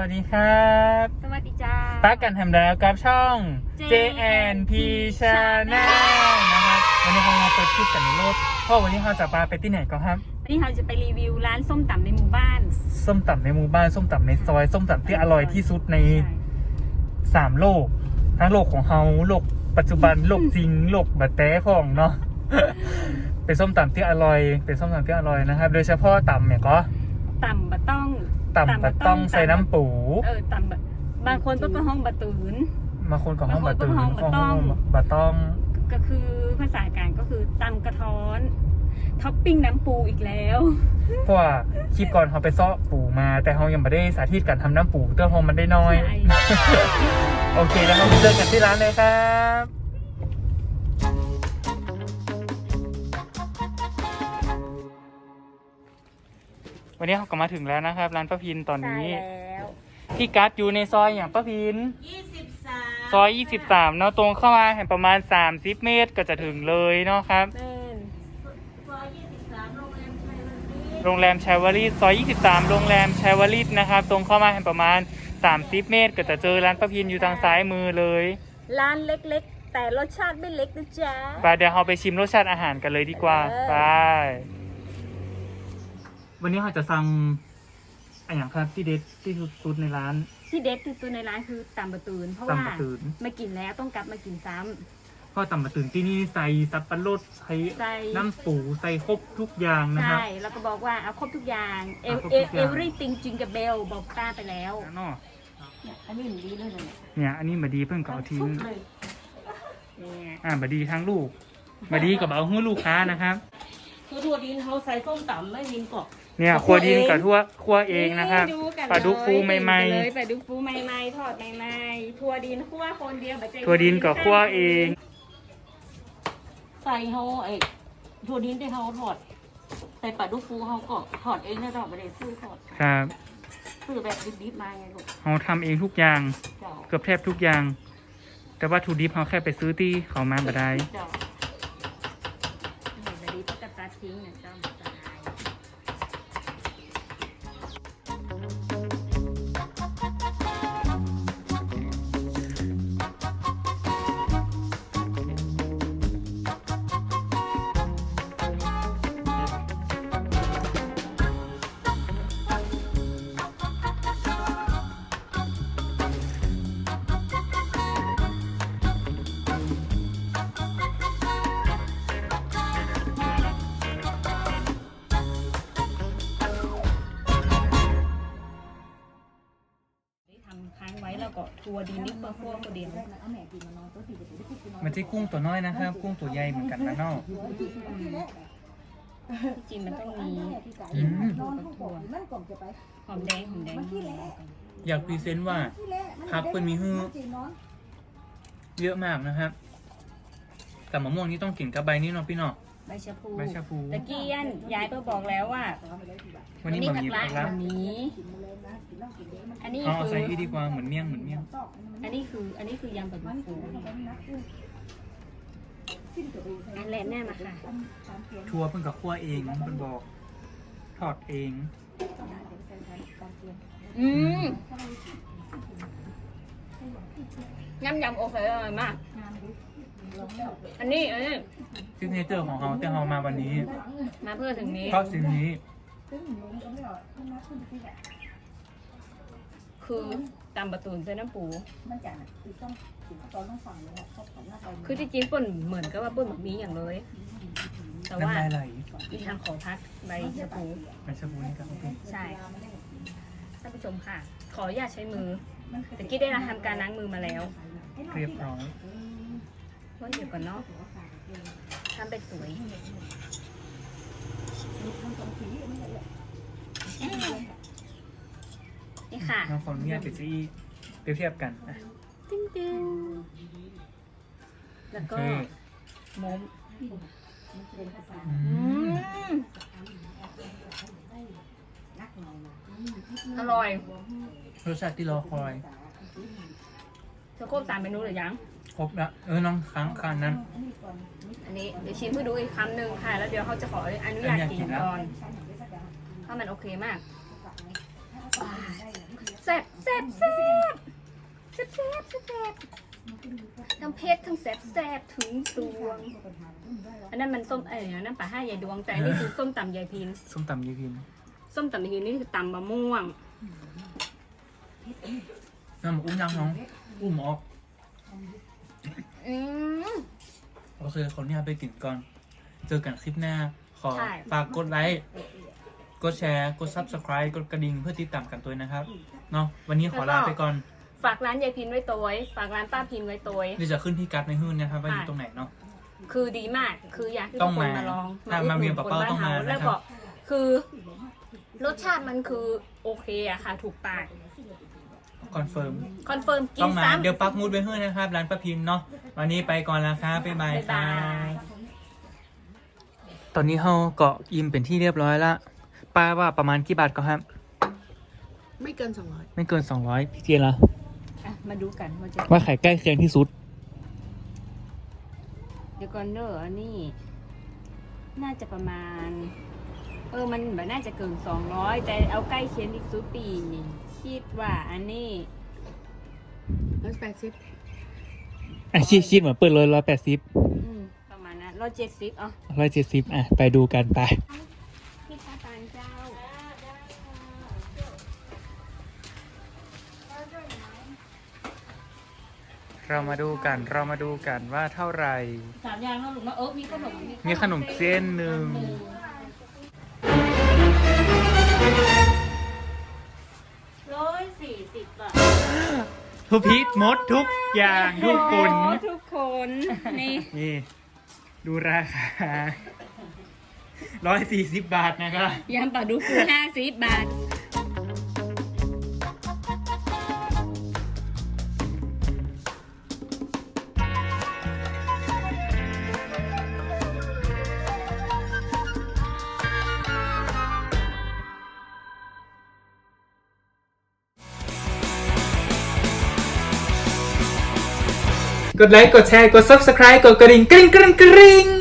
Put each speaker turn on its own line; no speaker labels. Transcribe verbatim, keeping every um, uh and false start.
วัสดีครับ
สวัสดีจ้า
ปักกันทำแล้วกับช่อง เจ แอนด์ พี Channel นะครับวันนี้เราเปิดคลิปกันในรถเพราะวันนี้เราจะพาไปที่ไหนกันครับ
วันนี้เราจะไปรีวิวร้านส้มตำในหมู่บ้าน
ส้มตำในหมู่บ้านส้มตำในซอยส้มตำที่อร่อยที่สุดในสามโลกทั้งโลกของเราโลกปัจจุบันโลกจริงโลกบัดแต้ของเนาะ เป็นส้มตำที่อร่อยเป็นส้มตำที่อร่อยนะครับโดยเฉพาะตำเนี่ยก็
ตำบะต้อง
ตำบะต้องใส่น้ำปู
เออตำบะบางคนก็ห้องบะตูน
บางคนก็ห้องบะตูนห้องบะต้อง
ก็คือภาษากลางก็คือตำกระท้อนท็อปปิ้งน้ำปูอีกแล้ว
เพราะว่าคลิปก่อนเขาไปซ้อปูมาแต่เขายังไม่ได้สาธิตการทำน้ำปูเตื้อหอมมันได้น้อย โอเคแล้วเราไปเจอกันที่ร้านเลยครับวันนี้เขาก็มาถึงแล้วนะครับร้านป้าพินตอนนี้พี่กัดอยู่ในซอยอย่างป้าพินซอยยี่สิบสามเนาะตรงเข้ามาเห็นประมาณสามสิบเมตรก็จะถึงเลยเนาะครับโรงแรมชัยวริตซอยยี่สิบสามโรงแรมชัยวริตนะครับตรงเข้ามาเห็นประมาณสามสิบเมตรก็จะเจอร้านป้าพินอยู่ทางซ้ายมือเลย
ร้านเล็กๆแต่รสชาติไม่เล็กนะจ๊ะ
ไปเดี๋ยวเราไปชิมรสชาติอาหารกันเลยดีกว่าไปวันนี้เราจะสั่งอะไรอย่างครับที่เด็ดที่สุดในร้าน
ที่เด็ดที่สุดในร้านคือตำบะตูนเพราะว่ามากินแล้วต้องกลับมากินซ้
ำเพราะตำบะตูนที่นี่ใส่สับปะรดใส่น้ำปูใส่ครบทุกอย่างนะครับ
ใช่แล้วก็บอกว่าเอาครบทุกอย่างเอเอเอเวอรี่ติงจิงกับเบลบอกป้าไปแล้ว
เนาะ
อันนี้มันดีเลย
เนี่ยอันนี้บดีเพิ่งเก่าทิ้งอ่าบดีทั้งลูกบดีกับเอาหุ้นลูกค้านะครับ
คือทั่วดินเขาใส่ส้มตำไม่ดินกบ
เนี่ยครัวดินกับทั่วครัวเองนะครับปลาดุกฟูใหม่
ๆปลาดุกฟูใหม่ๆทอดใหม่ๆทั่วดินคั่วคนเดียวแบบ
ทั่วดินกับคั่วเอง
ใส่เขาไอ้ทั่วดินที่เขาทอดใส่ปลาดุกฟูเขาก็ทอดเองนะทอดไม่ได้ซื้อทอด
ครับ
ซื้อแบบดิบๆมาไงลูก
เขาทำเองทุกอย่างเกือบแทบทุกอย่างแต่ว่าทูดิบเขาแค่ไปซื้อที่เขามาบ่ได้
ค้างไว้แล้วก็ทัวดินนิดเพื่อคั่วตัวเดียว
มันที่กุ้งตัวน้อยนะครับกุ้งตัวใหญ่เหมือนกันนะเนาะ
จริงมันต้องมีกินถั่วหอมแดงหอมแดง
อยากพรีเซนต์ว่าผักเป็นมีฮื้อเยอะมากนะครับแต่มะม่วงนี่ต้องกินกับใบนี้เนาะพี่เนาะ
ใบชะพู
ใบชะพู
ตะกี้ยันยายก็บอกแล้วว่า
วันนี้มันมีผักละ
วันนี้อันนี้
คือใส่ดีกว่าเหมือนเมี่ยงเหมือนเมี่ยง
อันนี้คืออันนี้คือยำปลาดุกฟูอันแรกแน่มาค่ะ
ทัวเพิ่งกับคั่วเองมันบอกทอดเอง
อืมยำยำโอเคเลยมากอันนี้อันนี้
ซิกเนเจอร์ของเขาที่เขามาวันนี้
มาเพื่อถึงนี้
เพราะสิ่งนี้
คือตำบะตูนใส่น้ำปูคือที่จริงป่นเหมือนกับว่าป่นแบบนี้อย่างเลยแต่ว่าอีทางขอพักใบชะพู
ใบชะพูนี่ครับ
ใช่ท่านผู้ชมค่ะขออนุญาตใช้มือแต่กี้ได้ทำการล้างมือมาแล้ว
เรียบร้อย
ว่าเดี๋ยวก่อนเนาะทำเป็นสวยนี่ค่ะ
น้องคนนี้เป็นซีเปรียบเทียบกัน
ติ้งติ้งแล้วก็มมอร่อย
รสชาติที่รอคอย
เธอครบสามเมนูหรือยัง
ครบแล้วเออน้องค้างคันนั้น
อันนี้เดี๋ยวชิมให้ดูอีกคำหนึ่งค่ะแล้วเดี๋ยวเขาจะขออนุญาตกินก่อนเพราะมันโอเคมากแซ่บแซ่บแซ่บแซ่บแซ่บแซ่บแซ่บทั้งเผ็ดทั้งแซ่บแซ่บถึงสวงอันนั้นมันส้มเอ้ยนั่นป่าห้ายายดวงแต่อันนี่คือส้มตำยายพิน
ส้มตำยายพิน
ส้มตำยายพินนี่คือตำมะม่วง
น้ำอุ้มยังน้องอุ้มออก
อืม
โอเคคนนี้ไปกินก่อนเจอกันคลิปหน้าขอ
ใช่
ฝากกดไลค์กดแชร์กด ซับสไครบ์ กดกระดิ่งเพื่อติดตามกันตัวนะครับเนาะวันนี้ขอลาไปก่อน
ฝากร้านยายพินไว้ตัวไว้ฝากร้านป้าพินไว้ตัวไว้
เดี๋ยวจะขึ้นที่การ์ดในหื้นนะครับว่าอยู่ตรงไหนเนาะ
คือดีมาก คืออยากให้
ต้
ทุ
อก ง
คน
มา
มาลอง
ถ้ามาเวียงปะเป้าต้องมา
แล้ว
นะครับ
ก็คือรสชาติมันคือโอเคอะค่ะ ถูกปาก
คอนเฟิร์ม
คอนเฟิร์มกิ
ต้อน งมา
ซ้ำ
เดี๋ยวปักหมุดไปหื้นนะครับร้านป้าพิมพ์เนาะวันนี้ไปก่อนแล้วครับบ๊ายบาย
บ๊าย
ครั
บาย
บตอนนี้เราเกาะอิ่มเป็นที่เรียบร้อยละป้าว่าประมาณกี่บาทก็ครับ
ไม่เกินสองร้อย
ไม่เกินสองร้อยพี่เจียนละ
อ่ะมาดูกันว่าจะ
ว่าไข่ใกล้เคียงที่สุด
เดี๋ยวก่อนเนอะอันนี้ น่าจะประมาณ เออมันแบบน่าจะเกินสองร้อยแต่เอาใกล้เคียงที่สุดปีคิดว่าอันนี้
ร้อยแปดสิบ
อ่ะชิดชิดเหมือนเปิดเลยร้อยแปดสิบ
อืมประมาณนั้นร้อยเจ็ดสิบอ๋อ
ร้อยเจ็ดสิบอ่ะไปดูกันไป
พี่ชาตานเจ้า
เรามาดูกันเรามาดูกันว่าเท่าไหร่
สามอย่างเนาะลูกเนาะเออมีขนม
มีขนมเส้นหนึ่ง
ร้อยสี่สิบบาท
ทุกพีทมดทุกอย่างทุกคน
โอ้ทุกคน นี่
นี่ ดูราคาร้อยสี่สิบบาทนะครับ
ยำปลาดุกฟูห้าสิบบาท
กดไลค์ กดแชร์ กด ซับสไครบ์ กดกระดิ่งกริ๊งกริ๊งกริ๊ง